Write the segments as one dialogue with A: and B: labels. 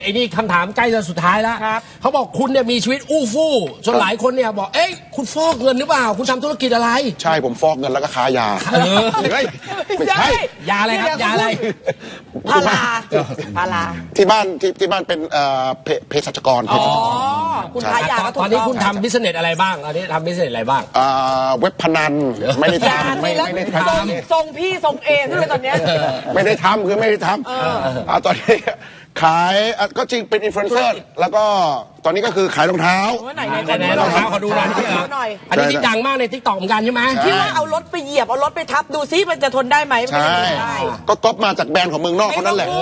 A: ไอ้นี่คำถามใกล้จะสุดท้ายแล้วเขาบอกคุณเนี่ยมีชีวิตอู้ฟู่จนหลายคนเนี่ยบอกเอ๊ะคุณฟอกเงินหรือเปล่าคุณทำธุรกิจอะไร
B: ใช่ผมฟอกเงินแล้วก็ค้ายาเฮ้ยไม่ใช่
A: ยาอะไรครับยาอะไร
C: พารา
B: ที่บ้านเป็นเภสัชกร
C: คุณค้ายา
A: ตอนนี้คุณทำบิสเนสอะไรบ้างตอนนี้ทำบิสเนสอะไรบ้าง
B: เว็บพนันไม่ได้ทำไม่ได้ท
C: ำทรงพี่ทรงเอด้วยตอนนี้
B: ไม่ได้ทำคือไม่ได้ทำตอนนี้ขายก็จริงเป็นอินฟลูเอนเซอร์แล้วก็ตอนนี้ก็คือขายรองเท้า
A: ไหนรองเท้าขอดูหน่อยอันนี้ที่ดังมากใน TikTok เหมือนกันใช่ไหม
C: ที่ว่าเอารถไปเหยียบเอารถไปทับดูซิมันจะทนได้ไหม
B: ใช่ก็ก๊อปมาจากแบรนด์ของเมืองนอกเขานั่นแหละ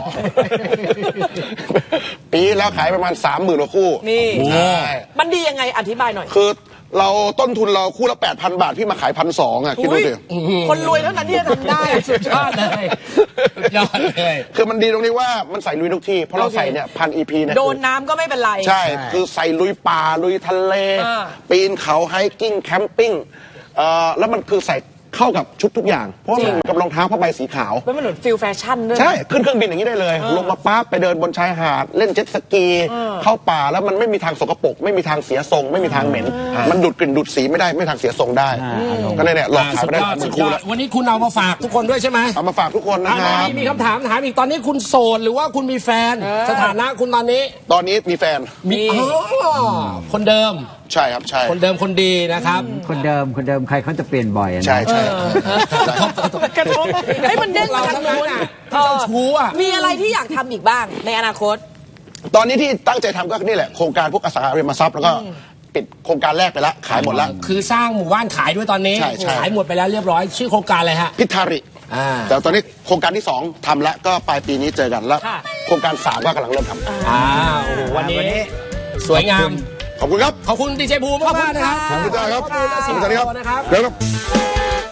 B: ปีแล้วขายประมาณ 30,000 กว่าคู่
C: นี่มันดียังไงอธิบายหน่อย
B: คือเราต้นทุนเราคู่ละ 8,000 บาทพี่มาขาย 1,200 อ่ะคิดดูดิ
C: คนรวยเท่านั้นที่จะทำได้
A: สุดยอดเลยยอดเลย
B: คือมันดีตรงนี้ว่ามันใส่ลุยทุกที่เพราะเราใส่เนี่ย1,000 EP เนี่ย
C: โดนน้ำก็ไม่เป็นไร
B: ใช่คือใส่ลุยป่าลุยทะเลปีนเขาไฮกิ้งแคมปิ้งแล้วมันคือใส่เข้ากับชุดทุกอย่างเพราะมันกับรองเท้าผ้าใบสีขาว
C: มันเหมือนฟิลแฟชั่นด้วย
B: ใช่ขึ้นเครื่องบินอย่างนี้ได้เลยลงมาปั๊บไปเดินบนชายหาดเล่นเจ็ตสกีเข้าป่าแล้วมันไม่มีทางสกปรกไม่มีทางเสียทรงไม่มีทางเหม็นมันดูดกลิ่นดูดสีไม่ได้ไม่ทางเสียทรงได้ก็เนี่ยหลอกขายไปได้
A: สุดยอดวันนี้คุณเอามาฝากทุกคนด้วยใช่ไหม
B: เอามาฝากทุกคนนะครับ
A: มีคำถามอีกตอนนี้คุณโสดหรือว่าคุณมีแฟนสถานะคุณตอนนี้
B: มีแฟน
A: มีคนเดิม
B: ใช่ครับใช่
A: คนเดิมคนดีนะครับ
D: คนเดิมใครเขาจะเปลี่ยนบ่อย
B: ใช่ใช่
C: กระทบให้มันเด้ง
A: เราทั้งนั้นน่ะที่เจ้าชู้อ่ะ
C: มีอะไรที่อยากทำอีกบ้างในอนาคต
B: ตอนนี้ที่ตั้งใจทำก็นี่แหละโครงการพวกอสังหาริมทรัพย์แล้วก็ปิดโครงการแรกไปแล้วขายหมดแล้ว
A: คือสร้างหมู่บ้านขายด้วยตอนนี้ขายหมดไปแล้วเรียบร้อยชื่อโครงการอะไรฮะ
B: พิธาริแต่ตอนนี้โครงการที่2ทำแล้วก็ปลายปีนี้เจอกันแล้วโครงการ3ก็กำลังเริ่มท
A: ำวันนี้สวยงาม
B: ขอบคุณครับ
A: ขอบคุณดีเจภูมิมากๆนะครับ
B: ขอบคุณครับสวัสดีครับ